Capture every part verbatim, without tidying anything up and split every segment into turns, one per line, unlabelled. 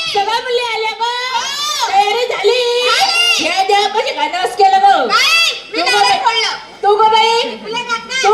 सगळ्या मुली आल्या ग. तयारी झाली. हे देव कशी गाणं केलं ग. तू ग बाई तू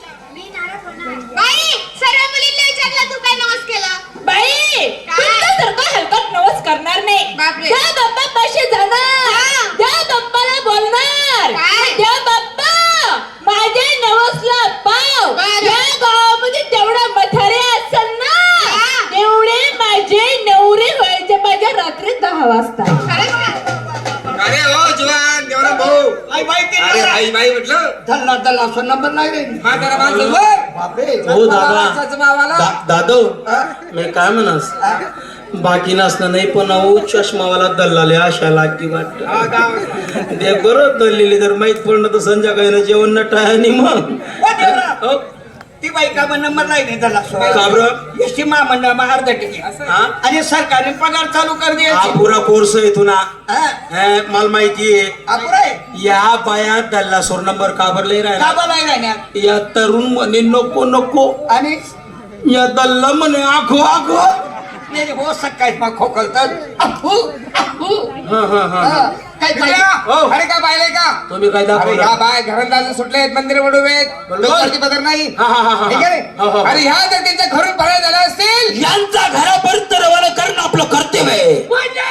बाई सर्व मुलींना विचारलं तू काय नवस केला.
बाई तुमच्यासारखं हलकट नवस करणार नाही. त्या बाप्पा पाशी जाणार. त्या बाप्पाला बोलणार. त्या बाप्पा माझ्या नवसला पाव. या गावामध्ये तेवढा मथारे असेल ना तेवढे माझे नवरे व्हायचे माझ्या रात्री दहा वाजता.
अरे हो जवान देवरा भाऊ.
आई बाई ते
अरे आई बाई म्हटलं
धल्ला धल्ला असं नंबर नाही रे.
हा जरा माणसं वर.
बापरे
हो दादा
माणसाचं मावाला.
दा- दादो मी काय म्हणस बाकी नसणं नाही पण अहो चष्मावाला दल्लाले आशा लागती वाटत.
हा, गाव.
ते बरोबर दल्लेली तर माहित पडलं तर संध्याकाळी जेवण न टाळ्यानी मग हो,
ती बाई का मग नंबर नाही रे धल्ला
का बरं?
एसटी महामंडळ मग अर्धा तिकीट
हा?
आणि सरकारने पगार चालू कर
हा
द्यायची.
पुरा कोर्स आहे तुला
हा
हे, मला माहिती आहे
अपुरा आहे.
या बाया दल्ला सोर नंबर का बरं लय
का
राहिला
बरं नाही राहण्यात.
या तरुण म्हणे नको नको
आणि
या दल्ला म्हणे आखो आखो.
नाही रे, हो सकाळी मग खोकलतात. अफू, अफू.
हा हा हा
हा, काय काय
हो.
अरे का बायले का
तुम्ही काय
अरे
दाखवलं
ह्या बाय घरात सुटले आहेत मंदिर वडूवेत डोक्यावरती पदर नाही.
हा, हा, हा, हा.
ठीक आहे
हो, हो.
रे? अरे ह्या जर त्यांच्या घरून फरार झाल्या असतील
यांचा घरापर्यंत रवाना करणं आपलं कर्तव्य आहे.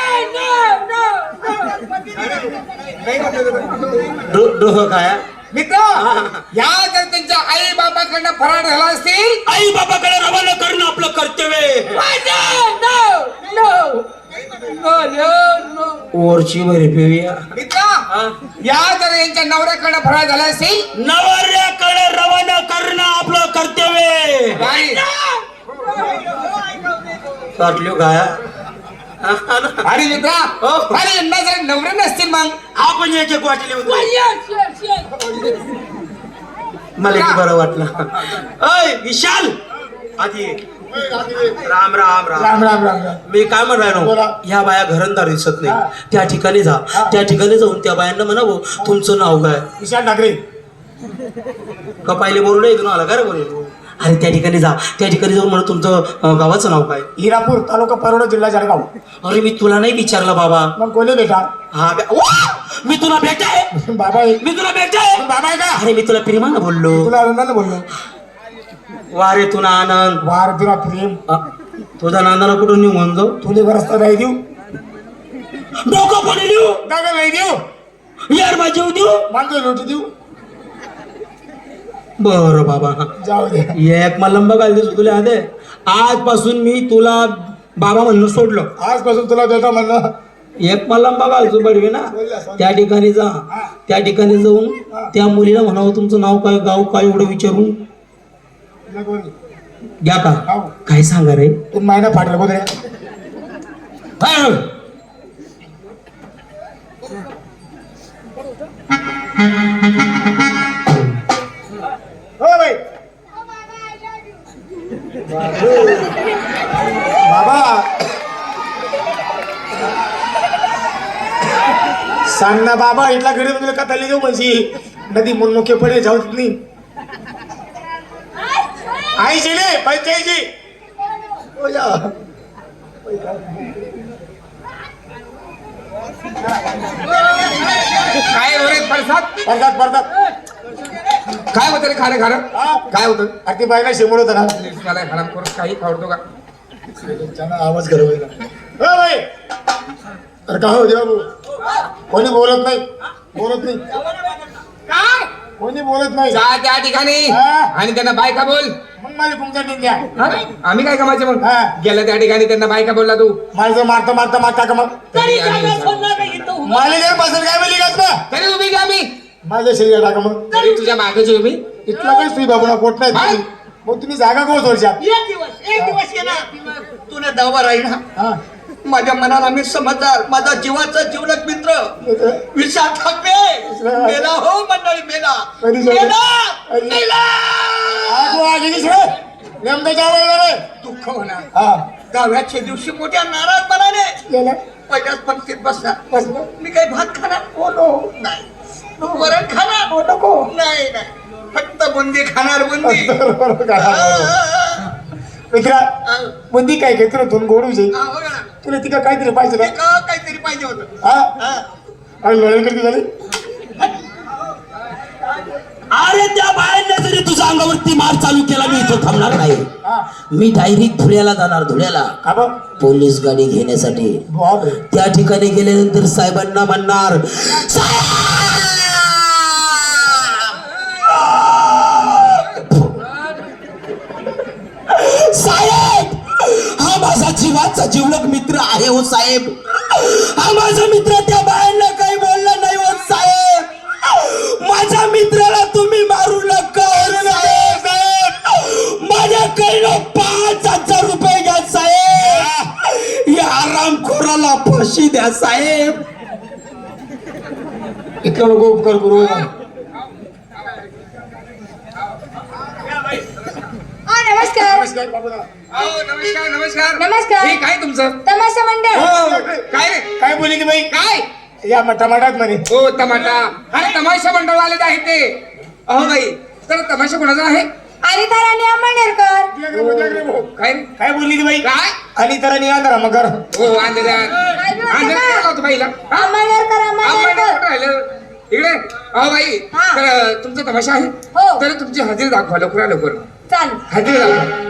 डो- डोहं काय
मित्र ह्या जर त्यांच्या आई बाबाकडनं फरार झाला असतील
आई बाबाकडे रवाना करणं आपलं कर्तव्य आहे. वरची भरी पिऊया
मित्र या जर यांच्या नवऱ्याकडनं फरार झाला असतील
नवऱ्याकडे रवाना करणं आपलं कर्तव्य आहे.
नाही.
साठलो काय
अरे मित्रा अरे यांना जर नवरे नसतील मग
आपण एक एक वाटले मला एक बरं वाटलं. अय विशाल आधी ये. राम राम राम
राम राम राम राम.
मी काय म्हण राहिलो ह्या बाया घरंदार दिसत नाही त्या ठिकाणी जा त्या ठिकाणी जाऊन त्या बायांना म्हणावं तुमचं नाव काय.
विशाल ठाकरे.
का पाहिले बोलू नाही तुम्हाला काय रे बोलू. अरे त्या ठिकाणी जा त्या ठिकाणी जाऊन म्हणा तुमचं अं, गावाचं नाव काय.
हिरापूर तालुका परवडा जिल्हा जळगाव.
अरे मी तुला नाही विचारलं बाबा.
मग कोणी बेटा.
हा बे- वा! मी तुला भेटाय
बाबा आहे.
मी तुला भेटाय
बाबा आहे का.
अरे मी तुला प्रेमानं बोललो.
तुला आनंदाने बोललो.
वा रे तुला आनंद.
वार तुला प्रेम.
अ, तुझा नांदाला कुठून निघून जाऊ.
तुले बरसता नाही देऊ.
डोकं पण देऊ
दादा नाही देऊ.
यार माझी देऊ.
मानतो लोटी देऊ.
बरं बाबा
जाऊ दे.
एक मला बघायला दिसतो तुला आधे आजपासून मी तुला बाबा म्हणणं सोडलं.
आजपासून तुला बेटा म्हणणं.
एक मला बघायचो बडवे ना त्या ठिकाणी जा त्या ठिकाणी जाऊन त्या मुलीला म्हणावं तुमचं नाव काय गाव काय एवढं विचारून घ्या का काय सांगा रे.
तू महिना फाटला बोल रे.
हा.
हो बाई. बाबा सांग ना बाबा इथला घरी तुला का चालली जाऊ म्हणजे नदी मुनमुखे पडे जाऊ नाही. आई शिले पंचायची.
काय वरे पडसाद
पडतात पडतात.
काय होतं रे खारं खारं काय होतं
अति बायला शिमोड होता ना.
मला हराम करून काही आवडतो का
आवाज कर बाई. अरे का हो देवा भाऊ कोणी बोलत नाही बोलत नाही
काय
कोणी बोलत नाही.
जा त्या ठिकाणी
हा.
आणि त्यांना बायका बोल.
मग मला तुमचा निंद्या.
हा? आम्ही काय कामाचे मग
हा.
गेला त्या ठिकाणी त्यांना बायका बोलला तू
माझं मारता मारता मारता का मग
तरी आम्ही-
मला जर बसेल काय बोली का तुला.
तरी उभी का आम्ही
माझ्या शरीर टाका मग
तरी तुझ्या मागेची उभी
इथला काही सुई बाबूला पोट नाही
हा.
मग तुम्ही जागा कोण सोडशाल.
एक दिवस एक दिवस ये ना तुला दावा राहील ना.
हा.
माझ्या मनाला मी समजदार माझा जीवाचा जीवलग मित्र विशाल ठाकरे मेला हो मंडळी मेला
कधी झालं?
मेला
अरे.
मेला
आगो आगीनीच रे. नेमकं जावं रे.
दुःख होणार
हा
दहाव्याच्या दिवशी मोठ्या नाराजपणाने
गेलं.
पहिल्याच पंक्तीत बसणार
बसलं.
मी काही भात खाणार
हो नो.
नाही वरण खाणार
हो नको.
नाही नाही फक्त बुंदी खाणार बुंदी
बरोबर का?
आ,
मित्रा
आ,
बुंदी काय घेतो तुम्ही गोडू जाईल
आ, बघा ना.
तुला तिका काहीतरी पाहिजे
ते
ना
का काहीतरी पाहिजे होतं
हा
हा.
आणि लढाई करते झाली
अरे त्या बायांना जरी तुझ्या अंगावरती मार चालू केला मी इथं थांबणार नाही.
हा
मी डायरेक्ट धुळ्याला जाणार. धुळ्याला
का बघ
पोलीस गाडी घेण्यासाठी.
बापरे
त्या ठिकाणी गेल्यानंतर साहेबांना म्हणणार, साहेब हा माझा जीवाचा जीवलग मित्र आहे हो साहेब. हा माझा मित्र त्या बायांना काही बोलला नाही हो साहेब. माझ्या मित्राला तुम्ही मारू नका हो साहेब. माझ्याकडनं पाच हजार रुपये घ्या साहेब. या आरामखोराला फाशी द्या साहेब.
इतका लोक उपकार करू
हा नमस्कार
नमस्कार बाबूला.
अहो, नमस्कार नमस्कार
नमस्कार.
हे काय तुमचं
तमाशा मंडळ
हो काय रे
काय बोलली ती बाई
काय
या टमाटात म्हणे
हो तमाशा अरे तमाशा मंडळ आलेत आहे ते. अहो बाई तर तमाशा कोणाचा आहे
अनिता राणी आंबेडकर.
काय रे?
काय बोलली ती बाई
काय
आणि तर निघा मग कर
हो अंधेऱ्या अंधेऱ्या होतो बाईला हा?
आंबेडकर
आंबेडकर
आंबेडकर
कुठं राहिलं इकडे. अहो बाई
हा.
तर तुमचा तमाशा आहे
हो.
तर तुमची हजेरी दाखवा लवकर लवकर
चालू
हजेरी दाखवा.